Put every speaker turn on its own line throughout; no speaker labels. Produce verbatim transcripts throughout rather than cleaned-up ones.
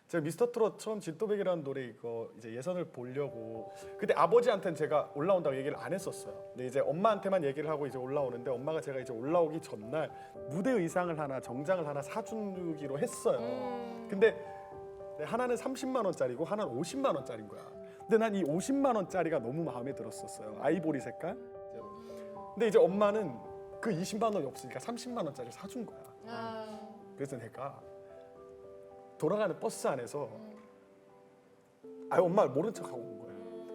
제가 미스터 트롯 처음 진또백이라는 노래 이거 이제 예선을 보려고 그때 아버지한테는 제가 올라온다고 얘기를 안 했었어요. 근데 이제 엄마한테만 얘기를 하고 이제 올라오는데 엄마가 제가 이제 올라오기 전날 무대 의상을 하나 정장을 하나 사주기로 했어요.
음.
근데 하나는 삼십만 원짜리고 하나는 오십만 원짜리인 거야. 근데 난 이 오십만 원짜리가 너무 마음에 들었었어요. 아이보리 색깔. 근데 이제 엄마는 그 이십만 원이 없으니까 삼십만 원짜리 사준 거야.
아.
그래서 내가 돌아가는 버스 안에서 아 엄마 모른 척하고 온 거예요.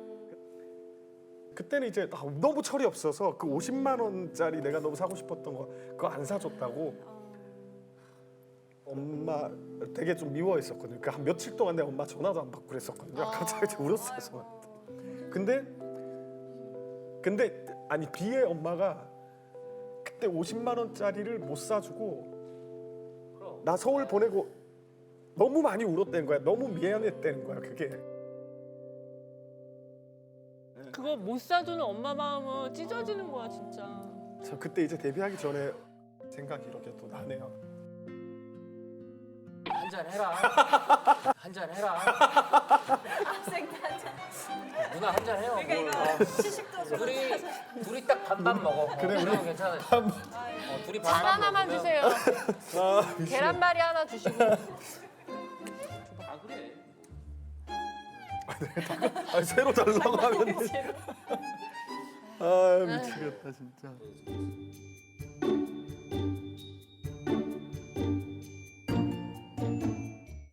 그때는 이제 아, 너무 철이 없어서 그 오십만 원짜리 내가 너무 사고 싶었던 거 그거 안 사줬다고 엄마 되게 좀 미워했었거든요. 그 한 며칠 동안 내가 엄마 전화도 안 받고 그랬었거든요.
아,
갑자기 울었어요. 저한테. 근데 근데 아니 뒤에 엄마가 그때 오십만 원짜리를 못 사주고 나 서울 보내고 너무 많이 울었다는 거야. 너무 미안했다는 거야. 그게.
그거 못 사주는 엄마 마음은 찢어지는 거야 진짜.
저 그때 이제 데뷔하기 전에 생각이 이렇게 또 나네요.
한잔 해라. 한잔 해라.
학생단장.
누나 한잔 해요.
그러니까
뭘.
이거 시식도 좀.
둘이 둘이 딱 반반 먹어.
그래,
그래
우리
우리 괜찮아. 어, 둘이
잘
반반
하나만
먹으면-
주세요.
아,
계란말이 하나 주시고.
아 그래.
아 새로 달라고 하면 아 미치겠다 진짜.